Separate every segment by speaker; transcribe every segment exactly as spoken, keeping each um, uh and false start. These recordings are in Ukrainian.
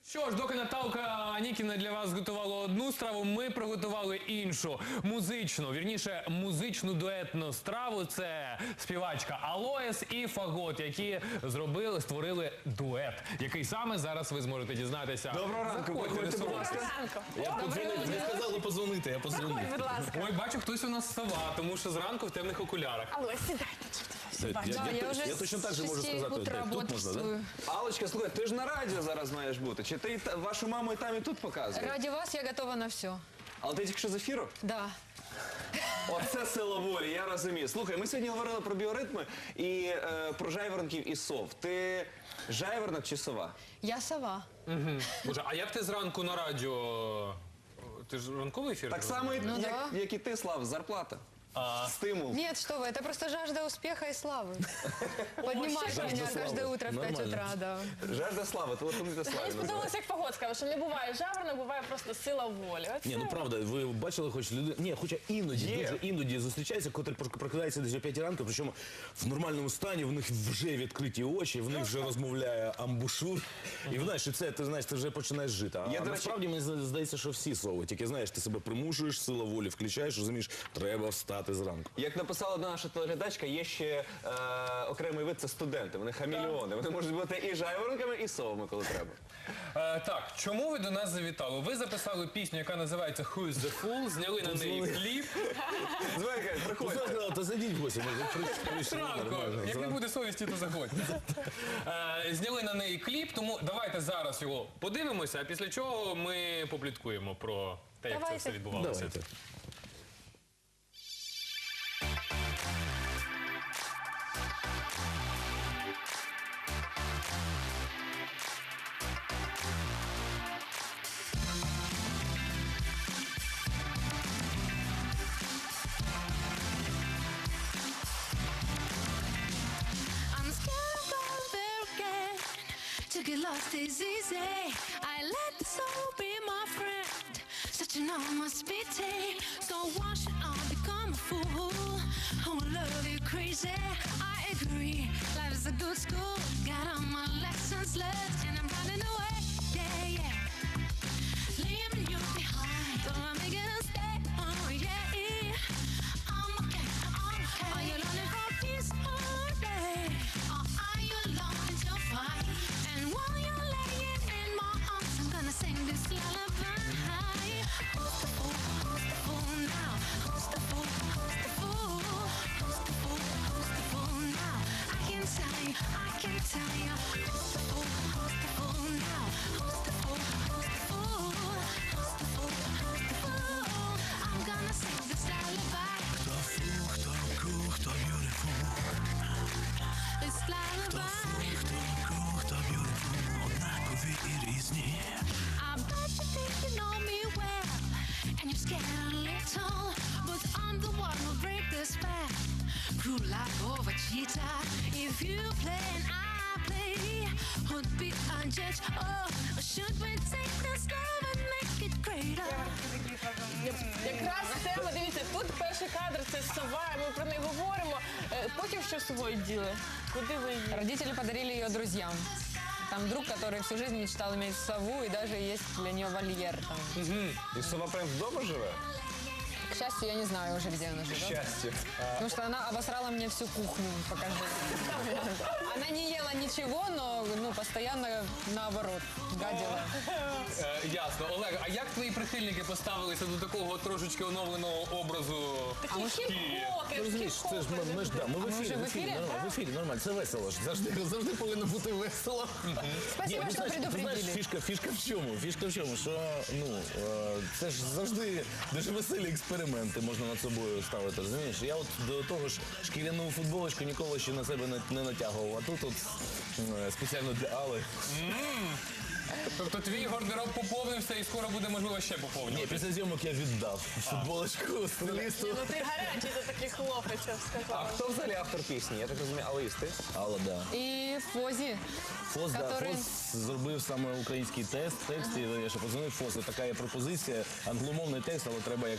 Speaker 1: Що ж, доки Наталка Нікіна для вас готувала одну страву, ми приготували іншу, музичну, вірніше, музичну дуетну страву. Це співачка Алоес і Фагот, які зробили, створили дует, який саме зараз ви зможете дізнатися.
Speaker 2: Доброго ранку,
Speaker 1: Заходьте,
Speaker 2: проходьте, будь ласка.
Speaker 3: Я подзвонив, ви сказали позвонити, я позвонив.
Speaker 4: Будь ласка.
Speaker 1: Ой, бачу, хтось у нас сова, тому що зранку в темних окулярах.
Speaker 4: Алло, сідайте.
Speaker 3: Я,
Speaker 4: Бачу.
Speaker 3: я,
Speaker 5: Да,
Speaker 3: я,
Speaker 5: я уже
Speaker 3: я точно так же
Speaker 5: с
Speaker 3: можу
Speaker 5: шести
Speaker 3: сказати.
Speaker 5: утра
Speaker 3: Так, тут можна, да?
Speaker 5: бодрствую.
Speaker 2: Аллочка, слухай, ти ж на радіо зараз маєш бути. Чи ти і та- вашу маму і там, і тут показуєш?
Speaker 5: Ради вас я готова на все.
Speaker 2: Але ти тільки що з ефіру?
Speaker 5: Да.
Speaker 2: Оце сила волі, я розумію. Слухай, ми сьогодні говорили про біоритми і е, про жайворонків і сов. Ти жайворонок чи сова?
Speaker 5: Я сова.
Speaker 1: Боже, а як ти зранку на радіо? Ти ж ранковий ефір?
Speaker 2: Так
Speaker 1: робиш?
Speaker 2: само, як,
Speaker 5: Ну,
Speaker 2: як,
Speaker 5: да.
Speaker 2: як і ти, Слав, зарплата. Стимул.
Speaker 5: Нет, что вы, это просто жажда успеха и славы. Поднимает
Speaker 3: Жажда
Speaker 5: меня
Speaker 3: славы.
Speaker 5: каждое утро в пять
Speaker 3: Нормально.
Speaker 5: утра, да.
Speaker 2: Жажда слави, телефонуйте Славі.
Speaker 4: Мені
Speaker 2: називається.
Speaker 4: сподобалося, як Фагот сказав, що не буває жаворонок, буває просто сила волі. Оце.
Speaker 3: Ні, ну правда, ви бачили хоч люди. Ні, хоча іноді,
Speaker 2: Є.
Speaker 3: дуже іноді зустрічається, котрий прокидається десь о п'ятій ранку, причому в нормальному стані, в них вже відкриті очі, в них вже розмовляє амбушур. І знаєш, і це, ти знаєш, ти вже починаєш жити. А
Speaker 2: Я, до речі-
Speaker 3: насправді мені здається, що всі сови. Тільки знаєш, ти себе примушуєш, сила волі включаєш, розумієш, треба встати зранку.
Speaker 2: Як написала одна наша телеглядачка, є ще е, окремий вид, це студенти. Вони хамільйони. Вони можуть бути і жайворонками, і совами, коли треба.
Speaker 1: Е, так, чому ви до нас завітали? Ви записали пісню, яка називається Who is the Fool, зняли на неї
Speaker 3: Позвони.
Speaker 1: кліп.
Speaker 2: Звикай,
Speaker 3: Ти
Speaker 2: приходь.
Speaker 3: сказала, то зайдіть в гості, може, прийшли, прийшли,
Speaker 1: Зранку,
Speaker 3: нормально,
Speaker 1: як не
Speaker 3: зранку.
Speaker 1: буде совісті, то заходьте. Е, Зняли на неї кліп, тому давайте зараз його подивимося, а після чого ми попліткуємо про те, як це
Speaker 4: Давайте.
Speaker 1: все відбувалося.
Speaker 3: Давайте.
Speaker 6: I'm scared of all there again. To get lost is easy. I let the soul be my friend. Such an almost pity. So why should I become a fool? I will love you crazy. I agree. Life is a good school. Got all my lessons learned, and I'm running away. Yeah, yeah. Leaving you behind. Don't want me gonna stay. Oh yeah. I'm okay. I'm okay. Are you longing for peace all day? Or are you longing to fight? And while you're laying in my arms, I'm gonna sing this lullaby. Who's the fool? Who's the fool now? Who's the fool? Who's the fool? Who's the fool? Who's the fool now? I can tell you. I can tell you. Who's the fool? Who's the fool now? Who's the fool? Who's the fool? Who's the fool? Who's the fool? I'm gonna sing this lullaby.
Speaker 7: Хто фу, хто cool, хто beautiful.
Speaker 6: This lullaby.
Speaker 7: Хто cool, хто beautiful. Однакові і різні.
Speaker 6: I bet you think you know me well, and you're scared a little, but I'm the one who'll break the spell. Cruel like over cheetah. If you play and I play, who'd be unjudged? Oh, should we take this love and make it greater?
Speaker 4: Якраз тема, дивіться, тут перший кадр, це сова, ми про неї говоримо. Е, Потім що з собою діли? Куди ви її?
Speaker 5: Родители подарили ее друзьям. Там друг, который всю жизнь мечтал иметь сову, и даже есть для нее вольер там.
Speaker 2: І сова прям вдома живе?
Speaker 5: К счастью, я не знаю уже, где она живет.
Speaker 2: Щастя.
Speaker 5: Потому что она обосрала мне всю кухню, покажи. Она не ела ничего, но ну, постоянно наоборот гадила.
Speaker 1: Е, ясно. Олег, а як твої прихильники поставилися до такого трошечки оновленого образу?
Speaker 4: Такі хіп-хоки,
Speaker 3: Ну, розумієш, це ж ми, ми ж да, ми в
Speaker 5: ми
Speaker 3: ефірі,
Speaker 5: вже в
Speaker 3: в ефірі,
Speaker 5: ефірі?
Speaker 3: нормально, в ефірі, нормально, це весело ж. Завжди, завжди повинно бути весело.
Speaker 5: Спасибо,
Speaker 3: ну,
Speaker 5: что
Speaker 3: знаєш, ти знаєш,
Speaker 5: предупредили.
Speaker 3: фішка, фішка в чому? Фішка в чому, що ну, е, це ж завжди дуже веселі експерименти можна над собою ставити, розумієш? Я от до того ж шкіряну футболочку ніколи ще на себе не, не натягував, а тут от е, спеціально для Алли.
Speaker 1: Тобто твій гардероб поповнився і скоро буде, можливо, ще
Speaker 3: Ні,
Speaker 1: поповнювати.
Speaker 3: після зйомок я віддав футболочку стилісту.
Speaker 4: Ну ти гарячий, ти такий хлопець, я б
Speaker 2: А
Speaker 4: сказала.
Speaker 2: хто взагалі автор пісні? Я так розумію, Алис, ти?
Speaker 3: Алла, да.
Speaker 5: И Фози.
Speaker 3: Фос, да,
Speaker 5: Который-
Speaker 3: Фос зробив саме український тест, текст, і я ще подзвонив Фос, і така є пропозиція, англомовний текст, але треба, як то, знаєш,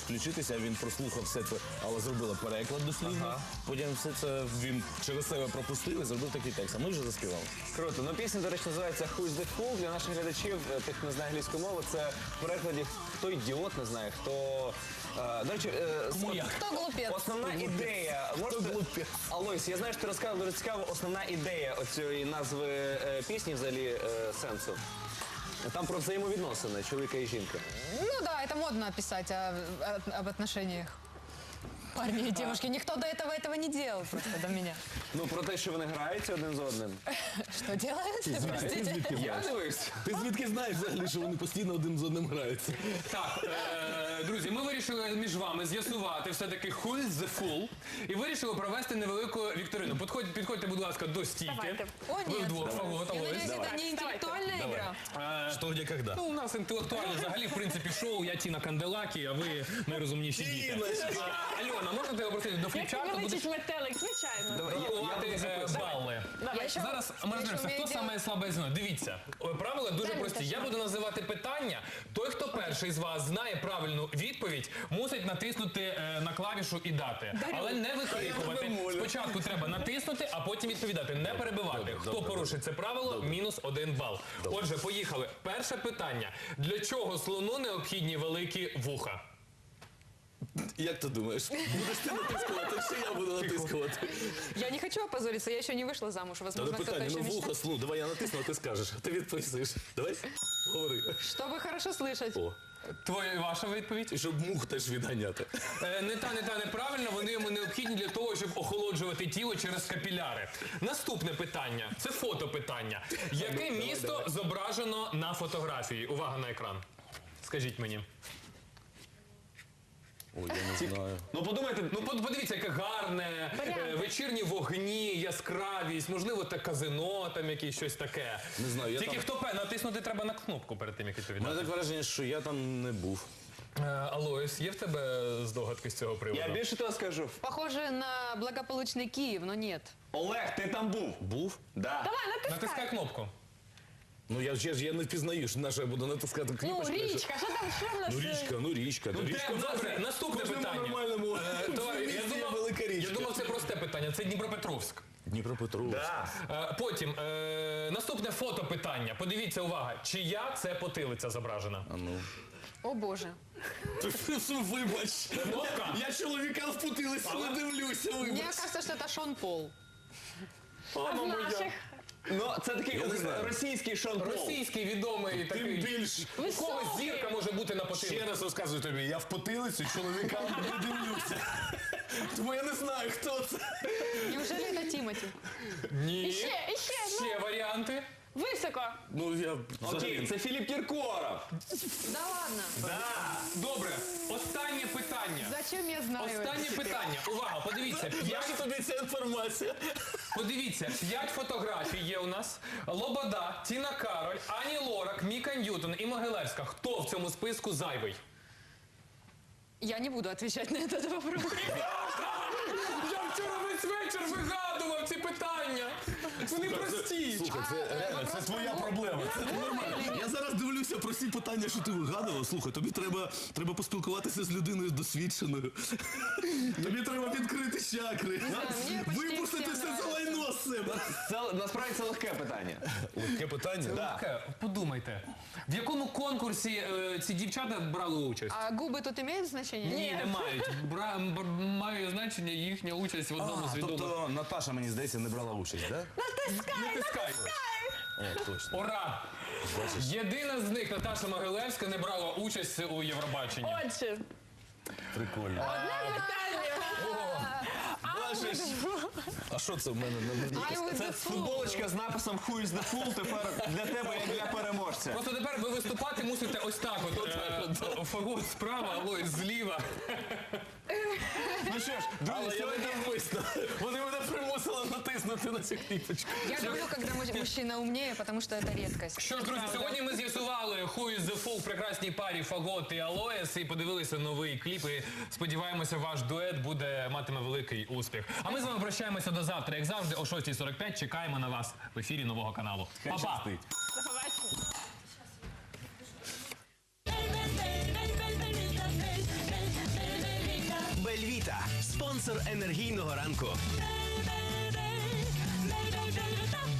Speaker 3: включитися, він прослухав все це, але зробила переклад дослівно. Потім все це він через себе пропустив і зробив такий текст. А ми вже заспівали.
Speaker 2: Круто. Ну, пісня, до речі, називається «Who's the Fool». Для наших глядачів, е, тих, хто не знає англійську мову, це в перекладі «Хто ідіот», не знає, хто... е, До речі, е,
Speaker 1: Кому
Speaker 2: с-
Speaker 1: як?
Speaker 5: Кто глупец?
Speaker 2: основна ідея... Можете... Алойс, я знаю, що ти розказав дуже цікаво, основна ідея оцієї назви е, пісні, взагалі, е, сенсу. Там про взаємовідносини чоловіка і жінки.
Speaker 5: Ну да, это модно писать о- о- об отношениях парня и девушки. Никто до этого этого не делал просто до меня.
Speaker 2: Ну, про те, що вони граються один з одним.
Speaker 5: Что делают? Простите.
Speaker 2: Я дивився.
Speaker 3: Ти звідки знаєш взагалі, що вони постійно один з одним граються?
Speaker 1: Так, е, друзі, ми вирішили між вами з'ясувати все-таки who is the fool і вирішили провести невелику вікторину. Підходь, підходьте, будь ласка, до стійки.
Speaker 4: Давайте.
Speaker 5: О,
Speaker 1: Ви
Speaker 5: нет.
Speaker 1: вдвох, Фагот,
Speaker 5: Я
Speaker 1: Алойс.
Speaker 5: надеюсь, это не интеллектуальная игра.
Speaker 3: Що, де, когда?
Speaker 1: Ну, у нас інтелектуально взагалі, в принципі, шоу. Я Тіна Канделакі, а ви найрозумніші діти. А, Альона, можна тебе попросити до
Speaker 4: Як
Speaker 1: фліпчарту? Будеш
Speaker 4: величить метелик, звичайно.
Speaker 1: рахувати е, бали.
Speaker 5: Я ще-
Speaker 1: Зараз
Speaker 5: я
Speaker 1: ми
Speaker 5: ще
Speaker 1: розберемося,
Speaker 5: вмію
Speaker 1: хто саме слабе звіно. Дивіться, о, правила дуже
Speaker 5: Дай
Speaker 1: прості.
Speaker 5: мені
Speaker 1: Я буду називати питання. Той, хто перший з вас знає правильну відповідь, мусить натиснути е, на клавішу і дати. Але не викрикувати. Спочатку треба натиснути, а потім відповідати. Не перебивати. Хто порушить це правило, мінус один бал. Отже, поїхали. Перше питання. Для чого слону необхідні великі вуха?
Speaker 3: Як ти думаєш? Будеш ти натискувати, чи я буду натискувати?
Speaker 5: Я не хочу опозориться, я еще не вышла замуж.
Speaker 3: Та
Speaker 5: Возможно,
Speaker 3: не
Speaker 5: кто-то
Speaker 3: питання,
Speaker 5: еще
Speaker 3: ну вуха,
Speaker 5: мечтает.
Speaker 3: слу, давай я натисну, а ти скажеш. Ти відповісиш. Давай, говори.
Speaker 5: Чтобы хорошо слышать.
Speaker 3: О,
Speaker 1: Твоя ваша відповідь?
Speaker 3: і щоб мух теж відганяти.
Speaker 1: Е, Не та, не та, неправильно, вони йому необхідні для того, щоб охолоджувати тіло через капіляри. Наступне питання, це фотопитання. Яке місто зображено на фотографії? Увага на екран. Скажіть мені.
Speaker 3: Ой, я не знаю.
Speaker 2: Ну, подумайте,
Speaker 1: Ну, под- подивіться, яке гарне, е, вечірні вогні, яскравість, можливо, те казино, там якесь щось таке.
Speaker 3: Не знаю, я
Speaker 1: Тільки
Speaker 3: там-
Speaker 1: хто пе, натиснути треба на кнопку перед тим, як
Speaker 3: У мене
Speaker 1: відповідати.
Speaker 3: таке враження, що я там не був.
Speaker 1: Е, Алоїс, є в тебе здогадки з цього приводу?
Speaker 2: я більше того скажу.
Speaker 5: Похоже на благополучный Киев, но нет.
Speaker 2: Олег, ти там був?
Speaker 3: Був?
Speaker 2: Да.
Speaker 4: Давай, натискай.
Speaker 1: Натискай кнопку.
Speaker 3: Ну я ж я, ж- я не впізнаю, що на що я буду натискати
Speaker 4: Ну,
Speaker 3: кнопочку.
Speaker 4: річка, що там, що в нас?
Speaker 3: Ну
Speaker 4: е,
Speaker 3: річка, ну річка. Ну, річка.
Speaker 1: Де? Добре, наступне
Speaker 3: Кожному
Speaker 1: питання.
Speaker 3: нормальному
Speaker 1: Е, товариш, я
Speaker 3: місті є
Speaker 1: думав-
Speaker 3: велика річка.
Speaker 1: Я думав, це просте питання. Це Дніпропетровськ.
Speaker 3: Дніпропетровськ.
Speaker 2: Да.
Speaker 1: Е, Потім е, наступне фотопитання. Подивіться, увага, чия це потилиця зображена?
Speaker 3: А ну.
Speaker 5: О боже.
Speaker 3: Вибач.
Speaker 1: Кнопка.
Speaker 3: Я чоловіка впутилися, не дивлюся,
Speaker 5: Мне
Speaker 3: вибач.
Speaker 5: кажется, что это Шон Пол.
Speaker 4: А з наших?
Speaker 2: Ну, це такий
Speaker 3: Я не знаю.
Speaker 2: російський Шон Пол.
Speaker 1: Російський відомий
Speaker 3: Тим
Speaker 1: такий.
Speaker 3: більш.
Speaker 1: У когось зірка може бути на потилиці.
Speaker 3: Ще раз розказую тобі, я в потилицю чоловіка не дивлюся. Тому я не знаю, хто це.
Speaker 5: Неужели это Тимати?
Speaker 1: Ні.
Speaker 4: Іще, іще, ну.
Speaker 1: Ще варіанти.
Speaker 4: Високо.
Speaker 3: Ну я
Speaker 2: Окей,
Speaker 3: взагалі.
Speaker 2: це Філіп Кіркоров.
Speaker 5: Да ладно.
Speaker 1: Добре, останнє питання.
Speaker 5: Зачем я знаю это?
Speaker 1: Останнє питання. Увага, подивіться.
Speaker 3: Наша
Speaker 1: П'ять,
Speaker 3: тобі ця інформація?
Speaker 1: подивіться, п'ять фотографій є у нас. Лобода, Тіна Кароль, Ані Лорак, Міка Ньютон і Могилевська. Хто в цьому списку зайвий?
Speaker 5: Я не буду отвечать на этот вопрос.
Speaker 1: Я вчора весь вечір вигадував ці питання. Вони прості.
Speaker 3: Слухай, це реально, це
Speaker 5: вопрос
Speaker 3: твоя
Speaker 5: про-
Speaker 3: проблема. Це нормально. Я зараз дивлюся про всі питання, що ти вигадував. Слухай, тобі треба, треба поспілкуватися з людиною досвідченою. Тобі треба відкрити чакри.
Speaker 5: мені почти
Speaker 3: Випустити
Speaker 5: всім
Speaker 3: все це
Speaker 5: нравиться.
Speaker 3: лайно з себе.
Speaker 2: Це насправді це легке питання.
Speaker 3: Легке питання?
Speaker 1: Таке, подумайте, в якому конкурсі е, ці дівчата брали участь?
Speaker 5: А губы тут имеют значение?
Speaker 1: Ні, не мають. Бра, бр- має значення їхня участь в одному з відомих.
Speaker 3: тобто Наташа, мені здається, не брала участь, так?
Speaker 1: Натискай.
Speaker 3: О, точно.
Speaker 1: Ура! Єдина з них, Наташа Могилевська, не брала участь у Євробаченні.
Speaker 4: Отже,
Speaker 3: Прикольно.
Speaker 4: одне питання.
Speaker 3: Бачиш? А що це в мене на
Speaker 5: I would
Speaker 2: Це
Speaker 5: the fool.
Speaker 2: футболочка з написом «Who is the fool» тепер для тебе, як для переможця.
Speaker 1: Просто тепер ви виступати мусите ось так от. Е, Фагот справа, Алой зліва.
Speaker 2: Ну що ж, друзі,
Speaker 3: Але я не
Speaker 2: сьогодні...
Speaker 3: навмисно. Вони мене примусили натиснути на цю кніпочку.
Speaker 5: Я люблю, когда му- мужчина умнее, потому что это редкость.
Speaker 1: Що ж, друзі, сьогодні ми з'ясували Who is the Fool в прекрасній парі Фагот і Алоес і подивилися новий кліп. І сподіваємося, ваш дует буде матиме великий успіх. А ми з вами прощаємося до завтра. Як завжди, о шостій сорок п'ять чекаємо на вас в ефірі нового каналу. Па-па!
Speaker 2: щастить.
Speaker 4: До побачення.
Speaker 6: Baby, baby, baby, baby, baby, baby, baby,
Speaker 8: Бельвіта, спонсор енергійного ранку.
Speaker 6: Baby, baby, baby, baby,